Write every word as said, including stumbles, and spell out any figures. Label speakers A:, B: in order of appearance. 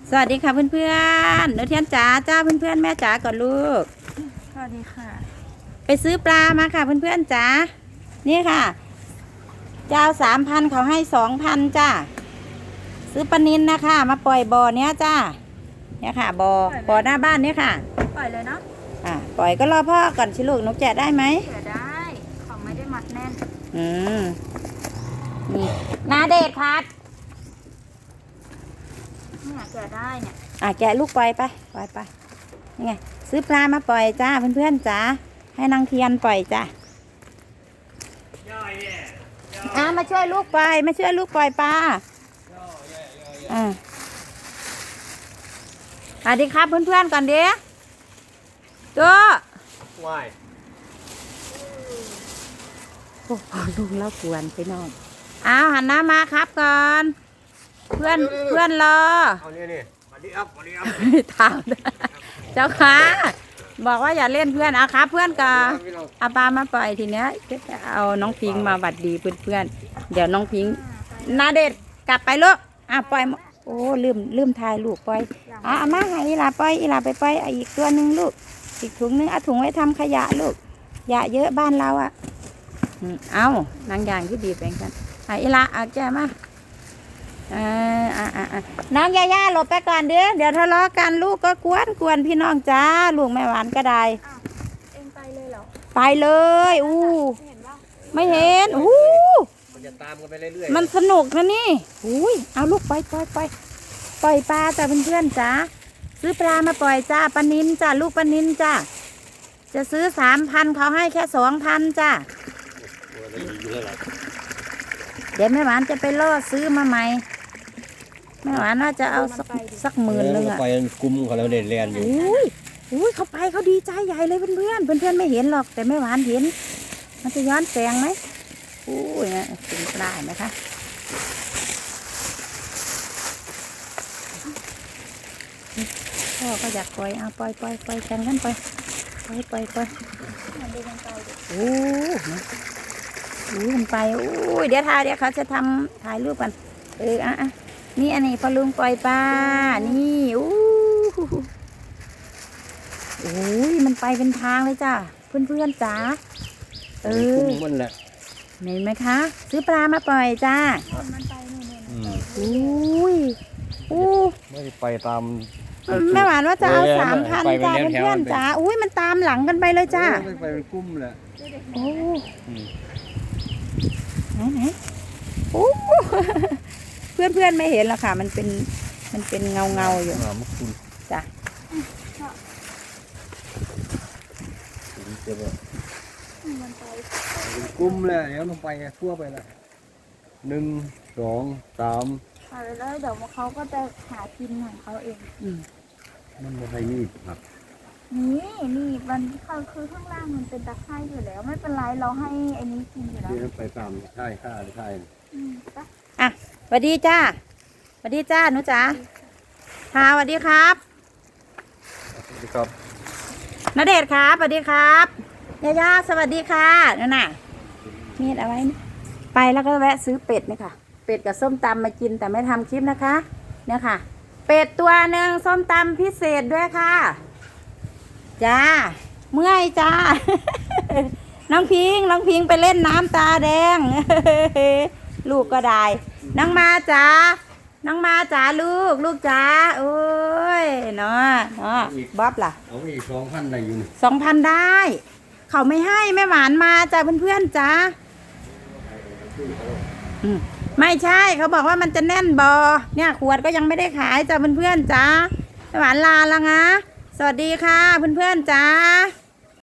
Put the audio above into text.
A: สวัสดีค่ะเพื่อนๆหนูเทียนจ๋าจ้าเพื่อนๆแม่จ๋าก่อนลูก
B: สวัสดีค่ะ
A: ไปซื้อปลามาค่ะเพื่อนๆจ๋านี่ค่ะเจ้าสามพันเขาให้สองพันจ้าซื้อปลานิลนะคะมาปล่อยบ่อเนี้ยจ้าเนี่ยค่ะบ่อบ่อหน้าบ้านเนี่ยค่ะ
B: ปล่อยเลยเนาะ
A: อ่าปล่อยก็รอพ่อก่อนชิลูกนกแกะได้ไหม
B: แกะได้ของไม่ได้มัดแน่น
A: อืมนี่นาเดชพัด
B: เนี่ยแกะได้เนี่ย
A: อ่ะแกะลูกปล่อยไปปล่อยไปนี่ไงซื้อปลามาปล่อยจ้าเพื่อนๆจ้าให้นางเทียนปล่อยจ้าอ่ะมาช่วยลูกปล่อยมาช่วยลูกปล่อยปลาอ่าสวัสดีครับเพื่อนๆก่อนเดี๋ยวตัว
C: วาย
A: โอ้โหลุงแล้วกวนไปนอนอ้าวหันหน้ามาครับก่อนเพื่อนเพื่อนรอ
C: เอาเนี่ยนี่มาดิอัพมาดิอัพ
A: ถามเจ้าค่ะบอกว่าอย่าเล่นเพื่อนเอาครับเพื่อนก็เอาปลามาปล่อยทีเนี้ยเอาน้องพิงมาบัดดีเพื่อนๆเดี๋ยวน้องพิงนาเด็ดกลับไปลูกอ่ะปล่อยโอ้ลืมลืมทายลูกปล่อยอ่ะเอามาให้อีหลาปล่อยอีหลาไปปล่อยอีกตัวหนึ่งลูกอีกถุงนึงเอาถุงไว้ทำขยะลูกขยะเยอะบ้านเราอ่ะเอานางยางที่ดีแปลงกันอ่ะอีหลาเอาแกมาอ่าอ่าอ่าน้องยาย่าหลบไปก่อนเดี๋ยวเดี๋ยวทะเลาะกันลูกก็กวนกวนพี่น้องจ้าลูกแม่หวานก็ได้
B: เองไปเลยเหรอ
A: ไปเลยอู้ไม่เห็นอู้
C: มันจะตามกันไปเรื่อย
A: ๆมันสนุกนะนี่อุ้ยเอาลูกไปปล่อยปล่อยปล่อยปลาจ้าเพื่อนๆจ้าซื้อปลามาปล่อยจ้าปลานิลจ้าลูกปลานิลจ้าจะซื้อสามพันเขาให้แค่สองพันจ้าเดี๋ยวแม่หวานจะไปล่อซื้อมาใหม่แม่หวานน่าจะเอาสักสักหมื่นนึงอะ
C: ไปกุ้มเขาแล้วเด่นเรียนอยู่
A: อุ้ยอุ้ยเขาไปเขาดีใจใหญ่เลยเพื่อนเพื่อนเพื่อนไม่เห็นหรอกแต่แม่หวานเห็นมันจะย้อนแสงไหมอุ้ยนะกินปลาไหมคะพ่อก็อยากปล่อยเอาปล่อยปล่อยปล่อยแข่งกันไปปล่อยปล่อยปล่อยโอ้อู้มันไปอู้เดี๋ยวถ่ายเดี๋ยวเขาจะทำถ่ายรูปกันเอออ่ะนี่อันนี้พอลุงปล่อยปลานี่อู้โอ้ยมันไปเป็นทางเลยจ้าเพื่อนเพื่อนจ้าเออ
C: มันแหละ
A: เห็นไหมคะซื้อปลามาปล่อยจ้า
B: มันไปนู่น
A: ๆอุ้ยอู้
C: ไม่ไปตาม
A: แม่หวานว่าจะเอาสามพันจ้าเพื่อนเพื่อนจ้าอุ้ยมันตามหลังกันไปเลยจ้า
C: ไปเป็นกุ้มแหละ
A: โอ้ไหนไหนโอ้เพื่อนเพื่อนไม่เห็นหรอกค่ะมันเป็นมันเป็นเงาเงาอยู่จ้ะ
C: กุ้มแหละเดี๋ยวลงไปทั่วไปละหนึ่งสองสาม
B: เอาแล้วเดี๋ยวเขาก็จะหากินของเขาเอง
C: มันไม่ใช่นี่ครับ
B: นี่นี่มันคือข้างล่างมันเป็นตะไคร้อยู่แล้วไม่เป็นไรเราให้ไอ้นี้กินอยู่แล้ว
C: ไปตามใช่ข้าใช่
A: อ่ะสวัสดีจ้าสวัสดีจ้าหนูจ๋าค่ะสวัสดีครับ
C: สวัสดีครับ
A: ณเดชน์ครับสวัสดีครับย่าย่าสวัสดีค่ะนั่นน่ะมีอะไรไปแล้วก็แวะซื้อเป็ดนี่ค่ะเป็ดกับส้มตำมากินแต่ไม่ทำคลิปนะคะเนี่ยค่ะเป็ดตัวหนึ่งส้มตำพิเศษด้วยค่ะจ้าเมื่อยจ้าน้องพิงน้องพิงไปเล่นน้ำตาแดงลูกก็ได้น้องมาจ้าน้องมาจ้าลูกลูกจ้าโอ้ยเนาะเนาะบ๊อบล่ะ
C: เอาอีกสองพันได้อยู่
A: สองพันได้เขาไม่ให้แม่หวานมาจ้าเพื่อนๆจ้าไม่ใช่เขาบอกว่ามันจะแน่นบอเนี่ยขวดก็ยังไม่ได้ขายจ้าเพื่อนๆจ้าแม่หวานลาแล้วนะสวัสดีค่ะเพื่อนๆจ้า